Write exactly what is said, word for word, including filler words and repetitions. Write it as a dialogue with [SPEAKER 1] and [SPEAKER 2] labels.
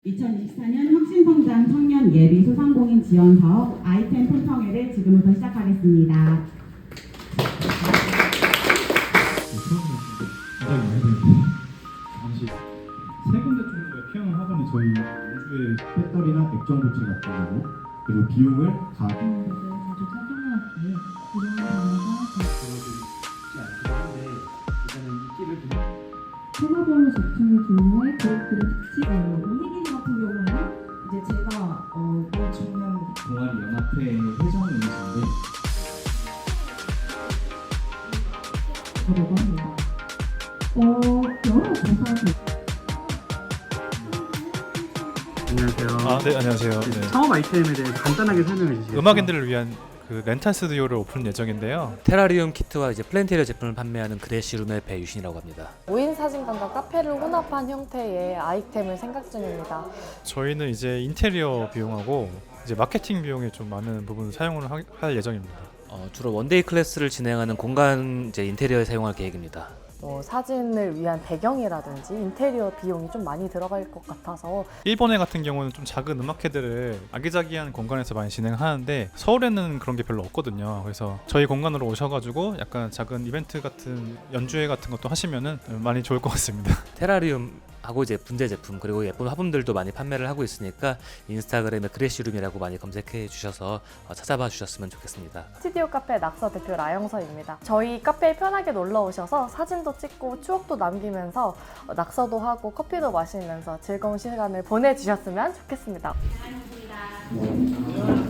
[SPEAKER 1] 이천이십사 년 혁신성장 청년 예비 소상공인 지원 사업 아이템 폰청회를 지금부터 시작하겠습니다.
[SPEAKER 2] 굉장히 많이 되는데 당시 세 군데 정도의 피아노 학원이 저희 연주의 배터리나 액정 부치 같은 경우 그리고 비용을 다
[SPEAKER 3] 자주 착용하기에 이런 단어가
[SPEAKER 4] 보여드리지 않긴 한데 일단은 인기를 좀
[SPEAKER 3] 테마별로 제품을 분류해 그룹들의 특징
[SPEAKER 1] 이혜긴 같은 경우에는 이제 제가 어,
[SPEAKER 4] 청년 동아리 연합회 회장이신데
[SPEAKER 3] 저라고 합니다. 어, 여러 가사들
[SPEAKER 5] 안녕하세요.
[SPEAKER 6] 아, 네, 안녕하세요. 네.
[SPEAKER 5] 창업 아이템에 대해 간단하게 설명해 주시겠어요?
[SPEAKER 6] 음악인들을 위한 그 렌탈 스튜디오를 오픈 예정인데요.
[SPEAKER 7] 테라리움 키트와 이제 플랜테리어 제품을 판매하는 그레시룸의 배유신이라고 합니다.
[SPEAKER 8] 무인 사진관과 카페를 혼합한 형태의 아이템을 생각 중입니다.
[SPEAKER 6] 저희는 이제 인테리어 비용하고 이제 마케팅 비용에 좀 많은 부분을 사용을 하, 할 예정입니다.
[SPEAKER 7] 어, 주로 원데이 클래스를 진행하는 공간 이제 인테리어에 사용할 계획입니다.
[SPEAKER 8] 뭐 사진을 위한 배경이라든지 인테리어 비용이 좀 많이 들어갈 것 같아서
[SPEAKER 6] 일본에 같은 경우는 좀 작은 음악회들을 아기자기한 공간에서 많이 진행하는데 서울에는 그런 게 별로 없거든요. 그래서 저희 공간으로 오셔가지고 약간 작은 이벤트 같은 연주회 같은 것도 하시면은 많이 좋을 것 같습니다.
[SPEAKER 7] 테라리움 하고 이제 분재 제품 그리고 예쁜 화분들도 많이 판매를 하고 있으니까 인스타그램에 그레시룸이라고 많이 검색해 주셔서 찾아봐 주셨으면 좋겠습니다.
[SPEAKER 8] 스튜디오 카페 낙서 대표 라영서입니다. 저희 카페에 편하게 놀러 오셔서 사진도 찍고 추억도 남기면서 낙서도 하고 커피도 마시면서 즐거운 시간을 보내주셨으면 좋겠습니다.
[SPEAKER 1] 감사합니다.